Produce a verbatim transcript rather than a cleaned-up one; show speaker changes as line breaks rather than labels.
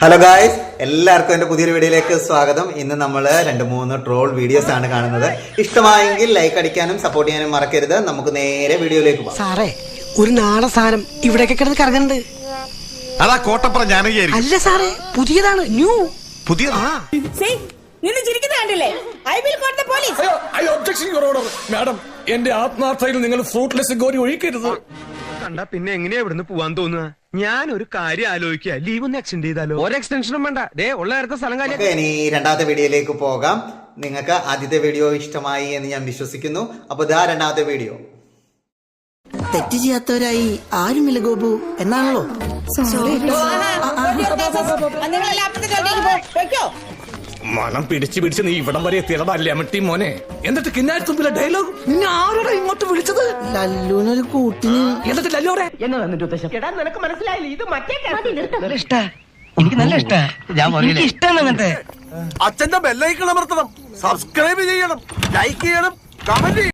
Hello guys, എല്ലാവർക്കും എൻ്റെ പുതിയൊരു വീഡിയോയിലേക്ക് സ്വാഗതം. ഇന്ന് നമ്മൾ രണ്ട് മൂന്ന് ട്രോൾ വീഡിയോസ് ആണ് കാണുന്നത്. ഇഷ്ടമായെങ്കിൽ ലൈക്ക് അടിക്കാനും സപ്പോർട്ട് ചെയ്യാനും മറക്കരുത്. നമുക്ക് നേരെ വീഡിയോയിലേക്ക് പോകാം.
സാറേ, ഒരു നാടൻ സാധനം ഇവിടെയൊക്കെ കിടന്ന് കറങ്ങുന്നുണ്ട്.
അതാ കോട്ടപ്പുറം ജാനകിയായിരിക്കും.
അല്ല സാറേ, പുതിയതാണ്, ന്യൂ.
പുതിയ
മാഡം, എന്റെ ആത്മാർത്ഥയിൽ നിങ്ങൾ ഫ്രൂട്ട്ലെസ് ഗോരി ഒഴിക്കരുത്.
കണ്ട പിന്നെ എങ്ങനെയാ ഇവിടുന്ന് പോവാൻ തോന്നുക? ഞാൻ ഒരു കാര്യം ആലോചിക്കുക, ലീവ് ഒന്ന് എക്സ്റ്റെൻഡ് ചെയ്താലോ? ഒരു എക്സ്റ്റൻഷനും വേണ്ട, ദേ ഉള്ള നേരത്തെ സ്ഥലം കാര്യം.
നമുക്ക് ഇനി രണ്ടാമത്തെ വീഡിയോയിലേക്ക് പോകാം. നിങ്ങൾക്ക് ആദ്യത്തെ വീഡിയോ ഇഷ്ടമായി എന്ന് ഞാൻ വിശ്വസിക്കുന്നു. അപ്പൊ ഇതാ രണ്ടാമത്തെ വീഡിയോ.
തെറ്റ് ചെയ്യാത്തവരായി ആരുമില്ല ഗോപു എന്നാണല്ലോ.
മണം പിടിച്ച് പിടിച്ച് നീ ഇവിടം വരെ എത്തിയതല്ലേ അമ്മട്ടി മോനെ. എന്നിട്ട് കിന്നാരത്തുമ്പിലെ ഡയലോഗ് നിന്നെ ആരോടാ ഇങ്ങോട്ട് വിളിച്ചത്?
ലല്ലൂനൊരു കൂട്ടിന്.
എന്നിട്ട് ലല്ലോടെ
എനിക്ക് നല്ല ഇഷ്ടാ. ഇഷ്ടമാണ് അങ്ങനത്തെ.
അച്ഛന്റെ ബെല്ലൈക്കൺ അമർത്തണം, സബ്സ്ക്രൈബ് ചെയ്യണം, ലൈക്ക് ചെയ്യണം, കമന്റ് ചെയ്യണം.